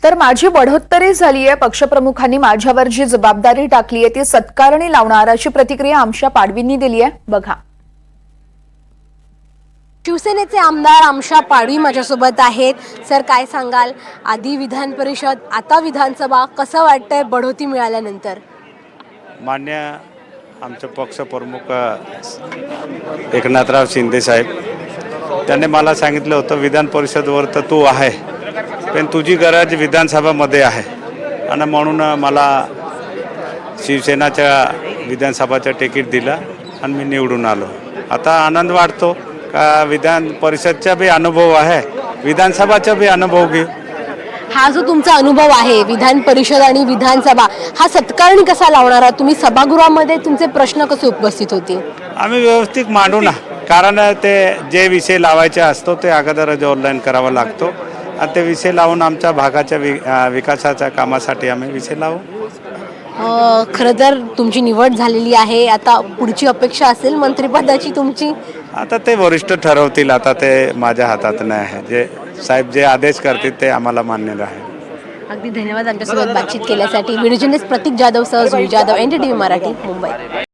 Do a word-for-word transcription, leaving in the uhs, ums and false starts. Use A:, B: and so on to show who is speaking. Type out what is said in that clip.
A: तर माझी बढोत्तरी झाली आहे। पक्षप्रमुखांनी माझ्यावर जी जबाबदारी टाकली आहे ती सत्कारणी लावणार अशी प्रतिक्रिया आमशा पाडवींनी दिली आहे। बघा।
B: शिवसेनेचे आमदार आमशा पाडवी माझ्यासोबत आहेत। सर, काय सांगाल, आधी विधान परिषद, आता विधानसभा, कसं वाटतंय बढोती मिळाल्यानंतर?
C: मान्य आमचे पक्षप्रमुख एकनाथराव शिंदे साहेब त्यांनी मला सांगितलं होतं विधान परिषदवर तर तू आहे, पण तुझी गरज विधानसभामध्ये आहे आणि म्हणून मला शिवसेनाच्या विधानसभाचं तिकीट दिलं आणि मी निवडून आलो। आता आनंद वाटतो का विधान परिषदचा भी अनुभव आहे, विधानसभाचा भी अनुभव घेऊ।
B: हा जो तुमचा अनुभव आहे विधान परिषद आणि विधानसभा, हा सत्कारणी कसा लावणार आहात तुम्ही? सभागृहामध्ये तुमचे प्रश्न कसे उपस्थित होतील?
C: आम्ही व्यवस्थित मांडू ना, कारण ते जे विषय लावायचे असतो ते अगोदरच ऑनलाईन करावा लागतो आणि ते विषय लावून आमच्या भागाच्या वि विकासाच्या कामासाठी आम्ही विषय लावू।
B: खरं तर तुमची निवड झालेली आहे, आता पुढची अपेक्षा असेल मंत्रिपदाची तुमची?
C: आता ते वरिष्ठ ठरवतील, आता ते माझ्या हातात नाही आहे। जे साहेब जे आदेश करतील ते आम्हाला मान्य आहे।
B: अगदी धन्यवाद आमच्यासोबत बातचीत केल्यासाठी। व्हिडिओ जर्नलिस्ट प्रतीक जाधव सह Jui Jadhav, N D T V Marathi, Mumbai.